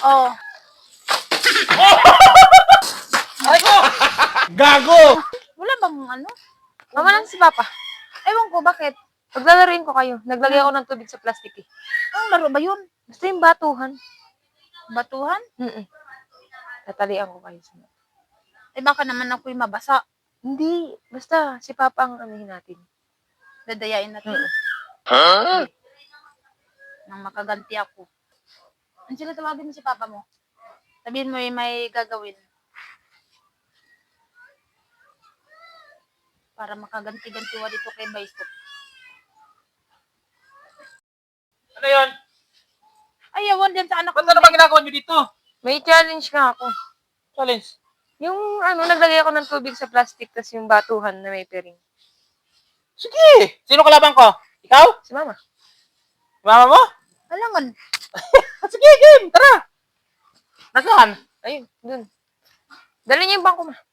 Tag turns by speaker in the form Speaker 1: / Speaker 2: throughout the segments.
Speaker 1: Oh.
Speaker 2: Ay ko! Gago!
Speaker 1: Wala bang ano?
Speaker 3: Mama lang si Papa.
Speaker 1: Ewan ko, bakit?
Speaker 3: Paglalaruin ko kayo. Naglagay ako ng tubig sa plastic eh.
Speaker 1: Anong laro ba yun?
Speaker 3: Basta yung batuhan.
Speaker 1: Batuhan?
Speaker 3: Tatalian ko kayo sa
Speaker 1: Eh baka naman ako'y mabasa.
Speaker 3: Hindi. Basta si Papa ang anuhin natin.
Speaker 1: Dadayain natin.
Speaker 2: Huh?
Speaker 1: Nang makaganti ako. Ang sila tawagin mo si Papa mo? Sabihin mo may gagawin. Para makaganti-ganti wa dito kay Baisok.
Speaker 2: Ano yun?
Speaker 1: Ay, ewan din sa anak
Speaker 2: Ba't
Speaker 1: ko.
Speaker 2: ano ba ginagawa nyo dito?
Speaker 3: May challenge nga ako.
Speaker 2: Challenge.
Speaker 3: Yung naglagay ako ng tubig sa plastic tas yung batuhan na may pering.
Speaker 2: Sige! Sino kalaban ko? Ikaw?
Speaker 3: Si Mama.
Speaker 2: Mama mo?
Speaker 1: Alangan.
Speaker 2: Sige, game! Tara! Nasaan?
Speaker 3: Ayun, dun. Dali niyo yung bangko, Ma.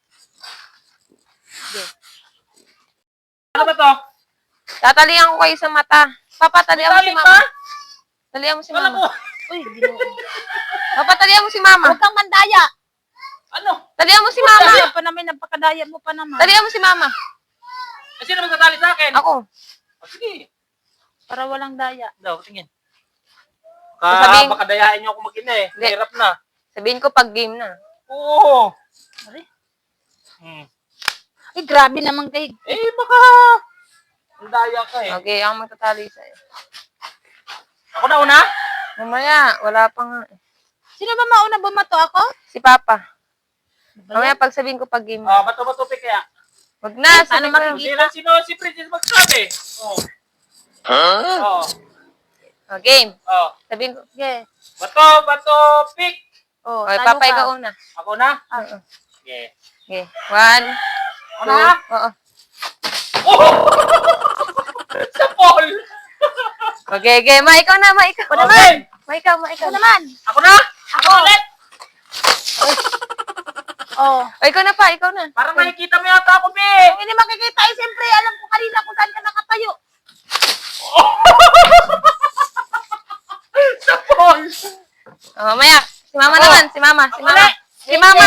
Speaker 2: Ano ba to?
Speaker 3: Tatalian ko kayo sa mata. Papa, talian mo si
Speaker 2: Tali
Speaker 3: Mama.
Speaker 2: pa?
Speaker 3: Talian mo si
Speaker 2: Wala
Speaker 3: Mama.
Speaker 2: mo.
Speaker 1: Uy, ginoo.
Speaker 3: Papa, talian mo si Mama.
Speaker 1: Huwag kang mandaya.
Speaker 3: Talian mo si Mama.
Speaker 1: Daya pa namin, napakadaya mo pa naman.
Speaker 3: Talian mo si Mama.
Speaker 2: Sino magtatali sa akin?
Speaker 3: Ako.
Speaker 2: Sige.
Speaker 1: Para walang daya.
Speaker 2: Daw, tingin.
Speaker 3: Sasabihin-
Speaker 2: Baka dayain niyo ako mag-ina eh.
Speaker 3: Hindi.
Speaker 2: Hirap na.
Speaker 3: Sabihin ko pag game na.
Speaker 2: Oo.
Speaker 1: Ari?
Speaker 2: Hmm.
Speaker 1: Ay, grabe naman kay.
Speaker 2: Eh, baka... Ang daya ka eh.
Speaker 3: Okay, ako magtatali sa'yo.
Speaker 2: Ako na una?
Speaker 3: Mamaya, wala pa nga.
Speaker 1: Sino ba mauna bumato ako?
Speaker 3: Si Papa.
Speaker 1: Ba
Speaker 3: Mamaya
Speaker 1: yan?
Speaker 3: pag sabihin ko pag game na.
Speaker 2: Bato-bato kaya.
Speaker 3: Wag na,
Speaker 1: Paano
Speaker 3: sabihin ko.
Speaker 1: makikita?
Speaker 2: Sino si Princess magsabi? Oo. Oo.
Speaker 3: Oh, game.
Speaker 2: Oo.
Speaker 3: Sabihin ko.
Speaker 1: Sige.
Speaker 2: Bato, pick.
Speaker 1: Oh,
Speaker 3: Okay,
Speaker 1: talo
Speaker 3: Papa,
Speaker 1: ka.
Speaker 3: ikaw una.
Speaker 2: Ako na?
Speaker 3: Oo.
Speaker 2: Okay.
Speaker 3: Okay. 1,
Speaker 2: Ako
Speaker 3: 2.
Speaker 2: na?
Speaker 3: Oo.
Speaker 2: Oh! Sa Paul!
Speaker 3: Okay, okay. Ma, ikaw na, Ma, ikaw.
Speaker 2: Okay.
Speaker 3: Ma, ikaw, Ma, ikaw.
Speaker 1: Ako naman.
Speaker 2: Ako na? Ako ulit?
Speaker 1: Oh.
Speaker 3: O, ikaw na pa, ikaw na.
Speaker 2: Parang nakikita mo yata ako, Be.
Speaker 1: Kung hindi makikita, eh, siyempre, alam ko kanina kung saan ka nakatayo.
Speaker 2: Sa Paul!
Speaker 3: Oh, mamaya. Si Mama
Speaker 2: Ako.
Speaker 3: naman, si Mama, si
Speaker 2: Ako
Speaker 3: Mama.
Speaker 2: na.
Speaker 3: Si Mama.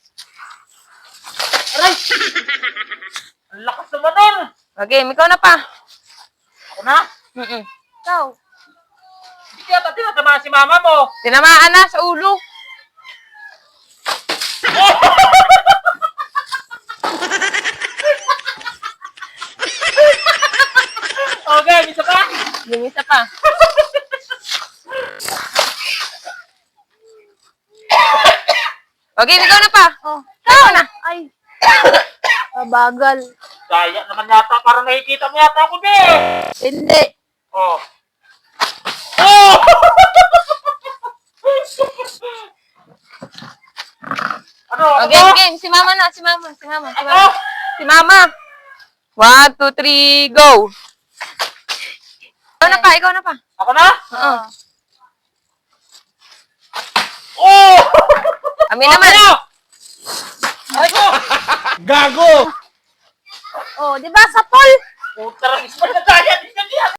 Speaker 2: Aray! Ang lakas naman nun!
Speaker 3: Okay, ikaw na pa.
Speaker 2: Ako na?
Speaker 1: Ikaw.
Speaker 2: Hindi kaya tinatamaan si mama mo.
Speaker 3: Tinamaan na sa ulo.
Speaker 2: Okay, isa pa?
Speaker 3: Yung isa pa. Okay, ikaw na pa.
Speaker 1: Oh.
Speaker 3: Ikaw na.
Speaker 1: Ay. Bagal.
Speaker 2: Daya naman yata. Parang nakikita mo yata ako, Be.
Speaker 1: Hindi.
Speaker 2: Oh. Oh! Ano?
Speaker 3: Okay,
Speaker 2: Ano?
Speaker 3: game. Si Mama na, si Mama, si Mama, si
Speaker 2: Ako?
Speaker 3: Mama. Si Mama. 1, 2, 3, go. Ikaw na pa, ikaw na pa.
Speaker 2: Ako na?
Speaker 3: Oo.
Speaker 2: Oh!
Speaker 3: Kami naman.
Speaker 2: Ano? Ay ko! Gago!
Speaker 1: Oh, di ba sa pool?
Speaker 2: Puta, ispan na daya.